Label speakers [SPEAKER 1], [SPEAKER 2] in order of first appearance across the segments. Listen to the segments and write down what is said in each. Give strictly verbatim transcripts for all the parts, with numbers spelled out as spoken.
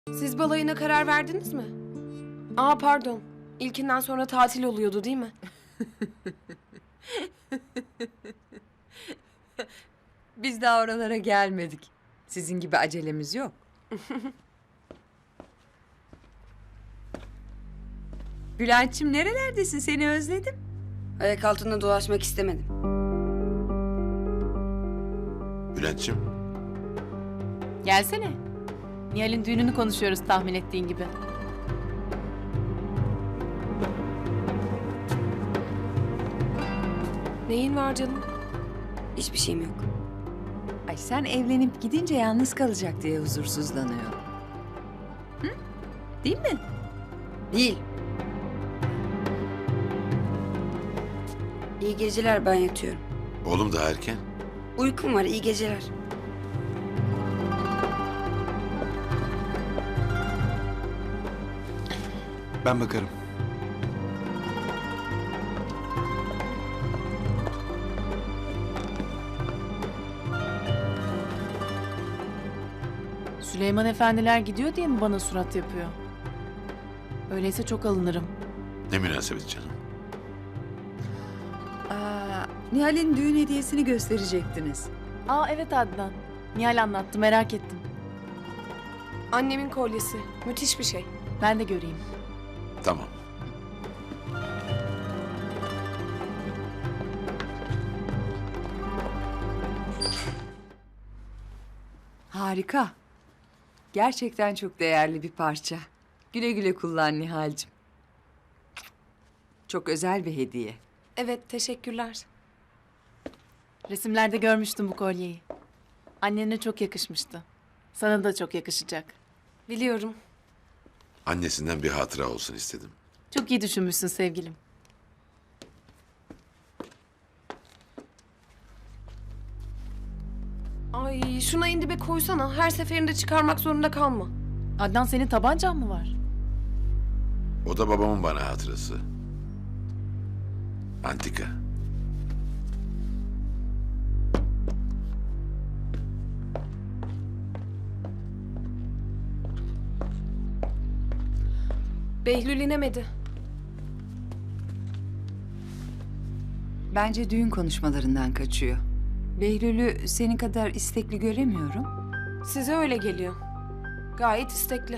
[SPEAKER 1] Siz balayına karar verdiniz mi? Aa pardon. İlkinden sonra tatil oluyordu değil mi?
[SPEAKER 2] Biz daha oralara gelmedik. Sizin gibi acelemiz yok. Bülent'ciğim nerelerdesin? Seni özledim.
[SPEAKER 3] Ayak altında dolaşmak istemedim.
[SPEAKER 4] Bülent'ciğim,
[SPEAKER 5] Gelsene. Nihal'in düğününü konuşuyoruz tahmin ettiğin gibi.
[SPEAKER 1] Neyin var canım?
[SPEAKER 3] Hiçbir şeyim yok.
[SPEAKER 2] Ay sen evlenip gidince yalnız kalacak diye huzursuzlanıyor. Hı? Değil mi?
[SPEAKER 3] Değil. İyi geceler, ben yatıyorum.
[SPEAKER 4] oğlum daha erken.
[SPEAKER 3] Uykum var, iyi geceler.
[SPEAKER 6] Ben bakarım.
[SPEAKER 5] Süleyman efendiler gidiyor diye mi bana surat yapıyor? Öyleyse çok alınırım.
[SPEAKER 4] Ne münasebet canım.
[SPEAKER 2] Aa, Nihal'in düğün hediyesini gösterecektiniz.
[SPEAKER 5] Aa evet Adnan. Nihal anlattı, merak ettim.
[SPEAKER 1] Annemin kolyesi. Müthiş bir şey.
[SPEAKER 5] Ben de göreyim.
[SPEAKER 4] Tamam.
[SPEAKER 2] Harika. Gerçekten çok değerli bir parça. Güle güle kullan Nihal'cim. Çok özel bir hediye.
[SPEAKER 1] Evet, teşekkürler.
[SPEAKER 5] Resimlerde görmüştüm bu kolyeyi. Annene çok yakışmıştı. Sana da çok yakışacak.
[SPEAKER 1] Biliyorum.
[SPEAKER 4] Annesinden bir hatıra olsun istedim.
[SPEAKER 5] Çok iyi düşünmüşsün sevgilim.
[SPEAKER 1] Ay şuna indibe koysana. Her seferinde çıkarmak zorunda kalma.
[SPEAKER 5] Adnan senin tabancan mı var?
[SPEAKER 4] O da babamın bana hatırası. Antika.
[SPEAKER 1] Behlül inemedi.
[SPEAKER 2] Bence düğün konuşmalarından kaçıyor. Behlül'ü senin kadar istekli göremiyorum.
[SPEAKER 1] Size öyle geliyor. Gayet istekli.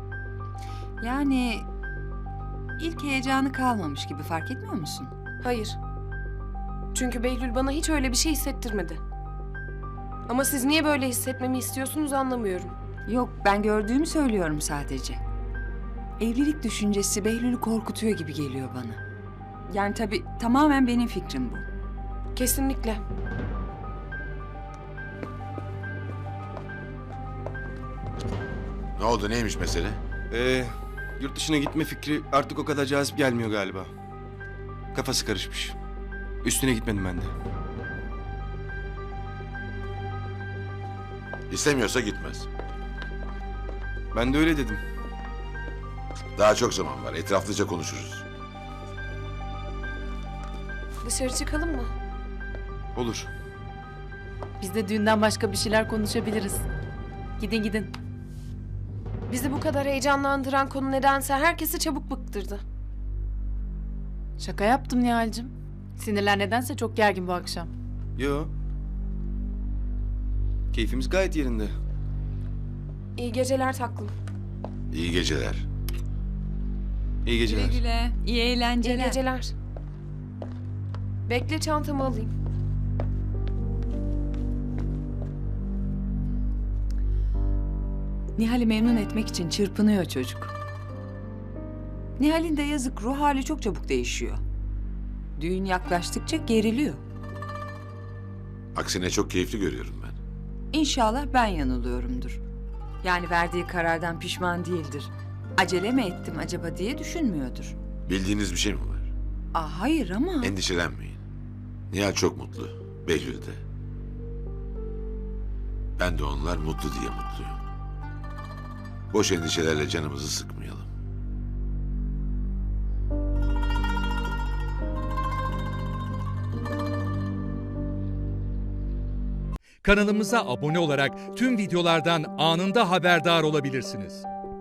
[SPEAKER 2] Yani ilk heyecanı kalmamış gibi, fark etmiyor musun?
[SPEAKER 1] Hayır. Çünkü Behlül bana hiç öyle bir şey hissettirmedi. Ama siz niye böyle hissetmemi istiyorsunuz anlamıyorum.
[SPEAKER 2] Yok, ben gördüğümü söylüyorum sadece. Evlilik düşüncesi Behlül'ü korkutuyor gibi geliyor bana. Yani tabii tamamen benim fikrim bu.
[SPEAKER 1] Kesinlikle.
[SPEAKER 4] Ne oldu, neymiş mesele?
[SPEAKER 6] Ee, yurt dışına gitme fikri artık o kadar cazip gelmiyor galiba. Kafası karışmış. Üstüne gitmedim ben de.
[SPEAKER 4] İstemiyorsa gitmez.
[SPEAKER 6] Ben de öyle dedim.
[SPEAKER 4] Daha çok zaman var, etraflıca konuşuruz.
[SPEAKER 1] Dışarı çıkalım mı?
[SPEAKER 6] Olur.
[SPEAKER 5] Biz de düğünden başka bir şeyler konuşabiliriz. Gidin gidin.
[SPEAKER 1] Bizi bu kadar heyecanlandıran konu nedense herkesi çabuk bıktırdı.
[SPEAKER 5] Şaka yaptım Nihal'cim. Sinirler nedense çok gergin bu akşam.
[SPEAKER 6] Yo. Keyfimiz gayet yerinde.
[SPEAKER 1] İyi geceler taklım.
[SPEAKER 4] İyi geceler.
[SPEAKER 6] İyi geceler.
[SPEAKER 2] Güle güle, iyi
[SPEAKER 1] İyi
[SPEAKER 2] eğlenceler.
[SPEAKER 1] geceler. Bekle çantamı alayım.
[SPEAKER 2] Nihal'i memnun etmek için çırpınıyor çocuk. Nihal'in de yazık, ruh hali çok çabuk değişiyor. Düğün yaklaştıkça geriliyor.
[SPEAKER 4] Aksine çok keyifli görüyorum ben.
[SPEAKER 2] İnşallah ben yanılıyorumdur. Yani verdiği karardan pişman değildir. Acele mi ettim acaba diye düşünmüyordur.
[SPEAKER 4] Bildiğiniz bir şey mi var?
[SPEAKER 2] Aa, hayır ama...
[SPEAKER 4] Endişelenmeyin. Nihal çok mutlu. Behlül de. Ben de onlar mutlu diye mutluyum. Boş endişelerle canımızı sıkmayalım.
[SPEAKER 7] Kanalımıza abone olarak tüm videolardan anında haberdar olabilirsiniz.